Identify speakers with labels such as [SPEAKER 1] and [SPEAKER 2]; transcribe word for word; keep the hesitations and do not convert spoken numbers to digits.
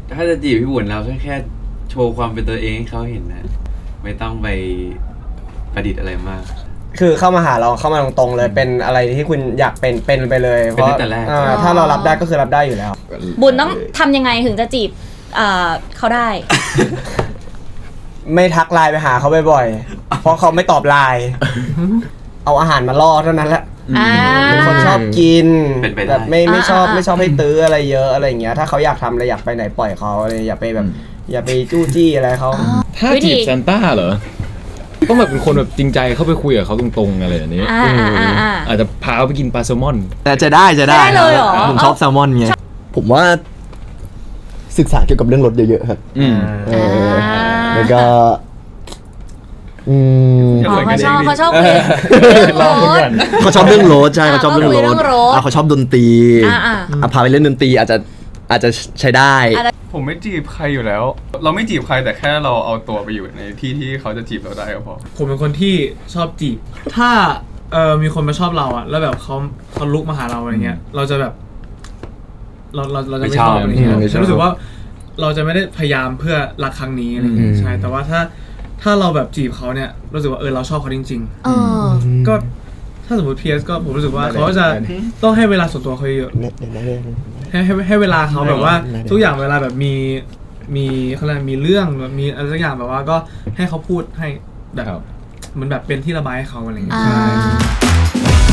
[SPEAKER 1] ถ้าจะจีบพี่บุญเราแค่แค่โชว์ความเป็นตัวเองให้เขาเห็นนะไม่ต้องไปประดิษฐ์อะไรมาก
[SPEAKER 2] คือเข้ามาหาเราเข้ามาตรงๆเลยเป็นอะไรที่คุณอยากเป็นเป็นไปเลยเพราะถ้าเรารับได้ก็คือรับได้อยู่แล้ว
[SPEAKER 3] บุญต้องทำยังไงถึงจะจีบเขาได้
[SPEAKER 2] ไม่ทักไลน์ไปหาเขาบ่อยๆเพราะเขาไม่ตอบไลน์เอาอาหารมาล่อเท่านั้นแหละเป็นคนชอบกินแบบไม่ไม่ชอบไม่ชอบให้ตื้ออะไรเยอะอะไรอย่างเงี้ยถ้าเขาอยากทำอะไรอยากไปไหนปล่อยเขาอะไรอย่าไปแบบอย่าไปจู้จี้อะไรเขา
[SPEAKER 4] ถ้าจีบซานต้าเหรอต้องแบบเป็นคนแบบจริงใจเข้าไปคุยกับเขาตรงๆอะไรอย่างนี้อาจจะพาเขาไปกินปลาแซลมอน
[SPEAKER 5] แต่จะได้จะได้ผมชอบแซลมอนไงผมว่าศึกษาเกี่ยวกับเรื่องรถเยอะๆครับแล้วก็อืม
[SPEAKER 3] เขาชอบเขาชอบเรื่องรถ
[SPEAKER 5] เขาชอบเรื่องรถใช่เขาชอบเรื่องรถเขาชอบดนตรีอ่ะพาไปเล่นดนตรีอาจจะอาจจะใช้ได้
[SPEAKER 6] ผมไม่จีบใครอยู่แล้วเราไม่จีบใครแต่แค่เราเอาตัวไปอยู่ในที่ที่เขาจะจีบเราได้ก็พอ
[SPEAKER 7] ผมเป็นคนที่ชอบจีบถ้าเออมีคนมาชอบเราอะแล้วแบบเขาเขาลุกมาหาเราอะไรเงี้ยเราจะแบบเราเราเราจะไม่ชอบอะไรเงี้ยฉันรู้สึกว่าเราจะไม่ได้พยายามเพื่อรักครั้งนี้อะไรเงี้ยใช่แต่ว่าถ้าถ้าเราแบบจีบเขาเนี่ยรู้สึกว่าเออเราชอบเขาจริงๆก็ถ้าสมมติ พี เอส ก็ผมรู้สึกว่าเขาจะต้องให้เวลาส่วนตัวเขาเยอะให้ให้ให้เวลาเขาแบบว่าทุกอย่างเวลาแบบมีมีเขาเรียกมีเรื่องแบบมีอะไรสักอย่างแบบว่าก็ให้เขาพูดให้แบบเหมือนแบบเป็นที่ระบายให้เขาอะไรอย่างเงี้ย